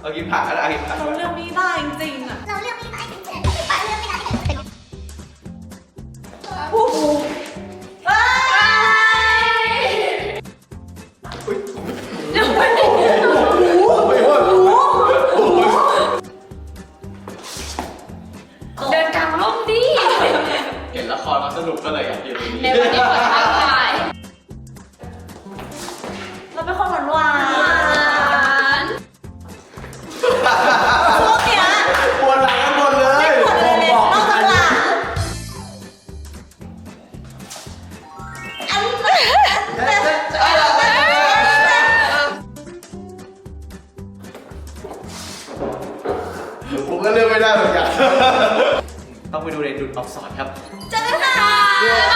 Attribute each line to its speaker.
Speaker 1: เอากินผักก็ได้กินผัก
Speaker 2: เราเลือกไม่ได้จริงๆอ่ะ
Speaker 3: เราเลือกไม่ได้จริงๆป้าเลือกไม่ได้จริง
Speaker 2: ผู้หูเอ้ย
Speaker 1: อุ้ย
Speaker 2: เดี๋ยวไปไหน
Speaker 4: เดินกลางร่มดิ
Speaker 1: เห็นละครมาสนุกก็เลยอยากอยู่ตรง
Speaker 4: ใน
Speaker 1: นี้
Speaker 4: วันนี้เปิดทางขาย
Speaker 2: เราเป็นคนหวาน
Speaker 4: น
Speaker 2: ๆพวกเนี้ย
Speaker 1: ปวดหลังกันหมดเลย
Speaker 2: ไม่ปวดเลยนอกจากหลัง
Speaker 1: ผมก็เลือกไม่ได้เหมือนกันต้องไปดูในดุจอักษรครับ
Speaker 2: เจอกันค่ะ